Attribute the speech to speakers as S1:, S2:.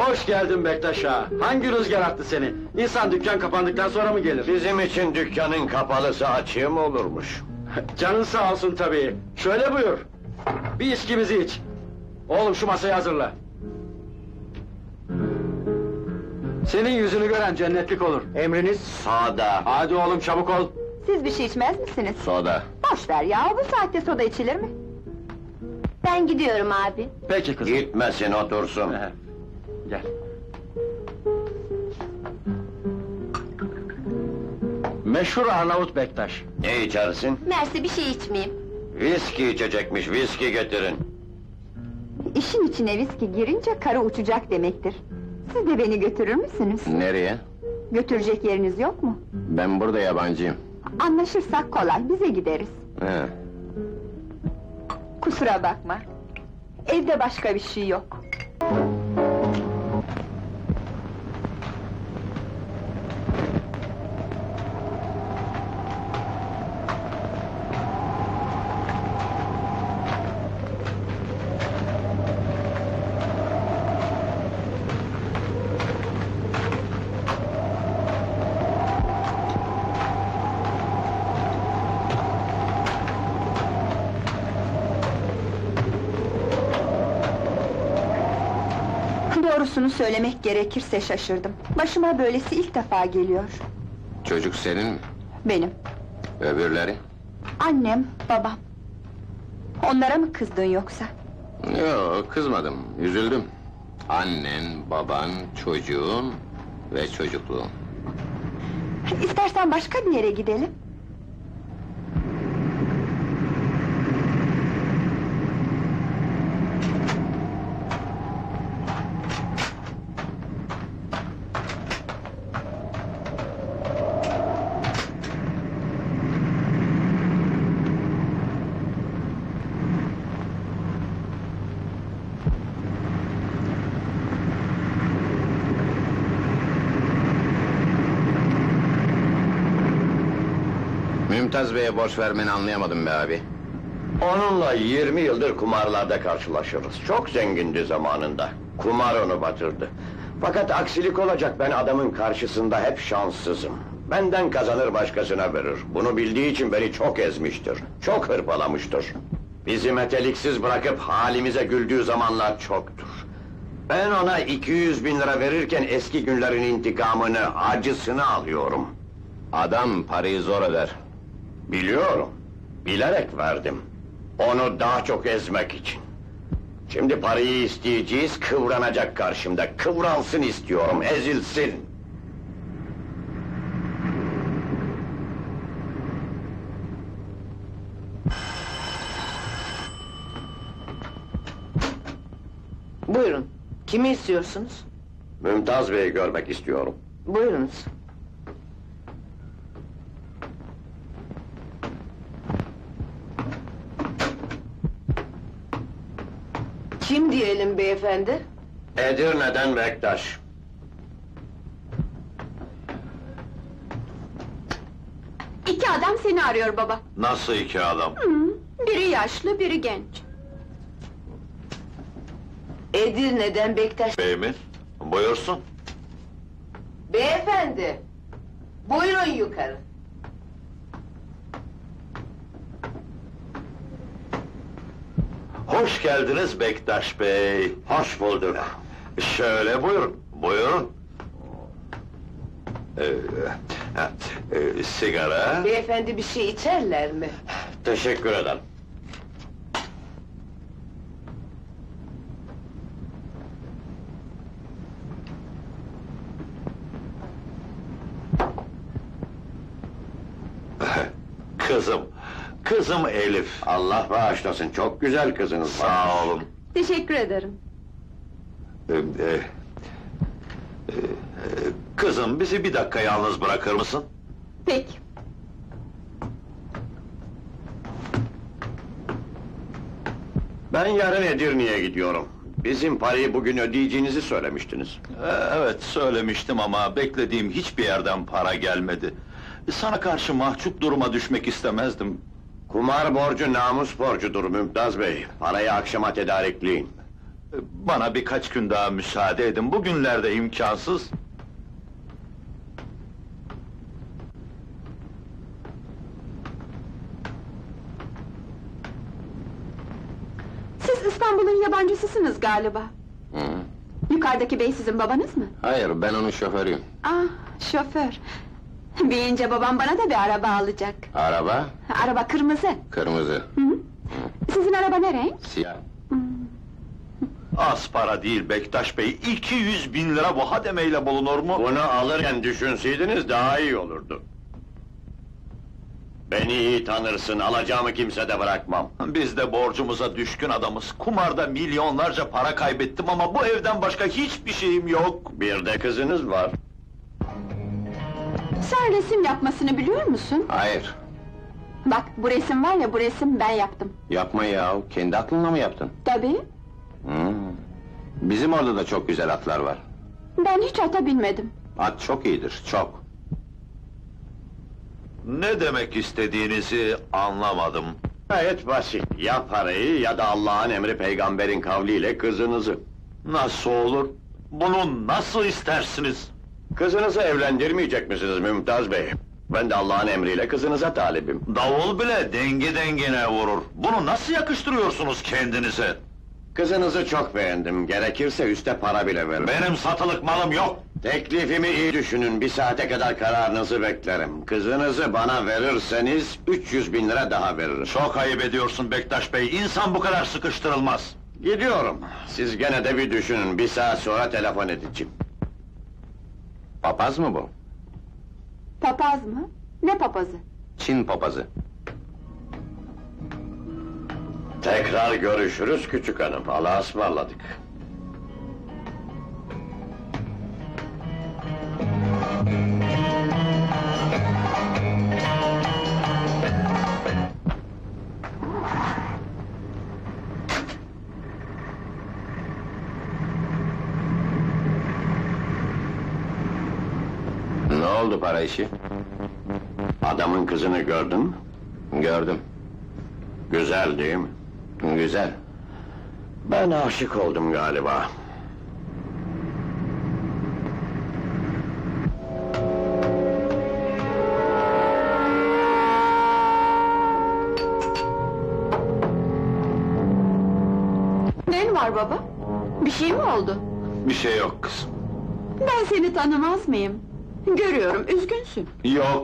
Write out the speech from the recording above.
S1: Hoş geldin Bektaş ağa. Hangi rüzgar attı seni? İnsan dükkan kapandıktan sonra mı gelir?
S2: Bizim için dükkanın kapalısı açığı mı olurmuş?
S1: Canın sağ olsun tabii. Şöyle buyur. Bir içkimizi iç. Oğlum şu masayı hazırla. Senin yüzünü gören cennetlik olur. Emriniz?
S2: Soda.
S1: Hadi oğlum çabuk ol.
S3: Siz bir şey içmez misiniz?
S2: Soda.
S3: Boş ver ya, bu saatte soda içilir mi? Ben gidiyorum abi.
S1: Peki kızım.
S2: Gitmesin, otursun.
S1: Gel. Meşhur Arnavut Bektaş.
S2: Ne içersin?
S3: Mersi bir şey içmeyeyim.
S2: Viski içecekmiş, viski getirin.
S3: İşin içine viski girince karı uçacak demektir. Siz de beni götürür müsünüz?
S2: Nereye?
S3: Götürecek yeriniz yok mu?
S2: Ben burada yabancıyım.
S3: Anlaşırsak kolay, bize gideriz.
S2: He.
S3: Kusura bakma. Evde başka bir şey yok. Doğrusunu söylemek gerekirse şaşırdım. Başıma böylesi ilk defa geliyor.
S2: Çocuk senin mi?
S3: Benim.
S2: Öbürleri?
S3: Annem, babam. Onlara mı kızdın yoksa?
S2: Yok, kızmadım, üzüldüm. Annen, baban, çocuğun ve çocukluğun.
S3: İstersen başka bir yere gidelim.
S2: Mümtaz Bey'e borç vermeni anlayamadım be abi. Onunla 20 yıldır kumarlarda karşılaşırız. Çok zengindi zamanında. Kumar onu batırdı. Fakat aksilik olacak, ben adamın karşısında hep şanssızım. Benden kazanır başkasına verir. Bunu bildiği için beni çok ezmiştir. Çok hırpalamıştır. Bizi meteliksiz bırakıp halimize güldüğü zamanlar çoktur. Ben ona 200 bin lira verirken eski günlerin intikamını, acısını alıyorum. Adam parayı zor öder. Biliyorum, bilerek verdim. Onu daha çok ezmek için. Şimdi parayı isteyeceğiz, kıvranacak karşımda. Kıvransın istiyorum, ezilsin.
S4: Buyurun, kimi istiyorsunuz?
S2: Mümtaz Bey'i görmek istiyorum.
S4: Buyurunuz. Kim diyelim beyefendi?
S2: Edirne'den Bektaş.
S3: İki adam seni arıyor baba.
S2: Nasıl iki adam?
S3: Biri yaşlı, biri genç.
S4: Edirne'den Bektaş...
S2: Bey mi? Buyursun.
S4: Beyefendi! Buyurun yukarı.
S2: Hoş geldiniz Bektaş Bey. Hoş bulduk. Şöyle buyurun, buyurun. Sigara?
S4: Beyefendi bir şey içerler mi?
S2: Teşekkür ederim. Kızım Elif. Allah bağışlasın, çok güzel kızınız var. Sağ olun.
S3: Teşekkür ederim.
S2: Kızım, bizi bir dakika yalnız bırakır mısın?
S3: Peki.
S2: Ben yarın Edirne'ye gidiyorum. Bizim parayı bugün ödeyeceğinizi söylemiştiniz.
S5: Evet, söylemiştim ama beklediğim hiçbir yerden para gelmedi. Sana karşı mahcup duruma düşmek istemezdim.
S2: Kumar borcu namus borcudur Mümtaz Bey. Parayı akşama tedarikleyin.
S5: Bana birkaç gün daha müsaade edin, bugünlerde imkansız.
S3: Siz İstanbul'un yabancısısınız galiba.
S2: Hı.
S3: Yukarıdaki bey sizin babanız mı?
S2: Hayır, ben onun şoförüyüm.
S3: Ah, şoför. Büyüyünce babam bana da bir araba alacak.
S2: Araba,
S3: Araba kırmızı.
S2: kırmızı,
S3: Hı hı. Sizin araba ne renk?
S2: siyah.
S5: Az para değil Bektaş Bey, 200.000 lira bu hademeyle bulunur mu?
S2: Bunu alırken düşünseydiniz daha iyi olurdu. Beni iyi tanırsın, alacağımı kimsede bırakmam.
S5: Biz de borcumuza düşkün adamız. Kumarda milyonlarca para kaybettim ama bu evden başka hiçbir şeyim yok.
S2: Bir de kızınız var.
S3: Sen resim yapmasını biliyor musun?
S2: Hayır,
S3: Bak, bu resim var ya, bu resim ben yaptım.
S2: yapma ya, kendi aklınla mı yaptın?
S3: Tabii,
S2: Bizim orada da çok güzel atlar var.
S3: ben hiç ata binmedim.
S2: At çok iyidir, çok.
S5: Ne demek istediğinizi anlamadım.
S2: Gayet basit, ya parayı ya da Allah'ın emri peygamberin kavliyle kızınızı.
S5: Nasıl olur? Bunu nasıl istersiniz?
S2: Kızınızı evlendirmeyecek misiniz Mümtaz Bey? Ben de Allah'ın emriyle kızınıza talibim.
S5: Davul bile dengi dengine vurur. Bunu nasıl yakıştırıyorsunuz kendinize?
S2: Kızınızı çok beğendim, gerekirse üste para bile veririm.
S5: Benim satılık malım yok.
S2: Teklifimi iyi düşünün, bir saate kadar kararınızı beklerim. Kızınızı bana verirseniz 300.000 lira daha veririm.
S5: Çok ayıp ediyorsun Bektaş Bey, insan bu kadar sıkıştırılmaz.
S2: Gidiyorum, siz gene de bir düşünün, bir saat sonra telefon edeceğim. Papaz mı bu?
S3: Papaz mı? Ne papazı?
S2: Çin papazı. Tekrar görüşürüz küçük hanım, Allah'a ısmarladık. Ne oldu para işi? Adamın kızını gördün mü? Gördüm. Güzel değil mi? Güzel. Ben aşık oldum galiba.
S3: Ne var baba? Bir şey mi oldu?
S5: Bir şey yok kızım.
S3: Ben seni tanımaz mıyım? Görüyorum, üzgünsün.
S5: Yok.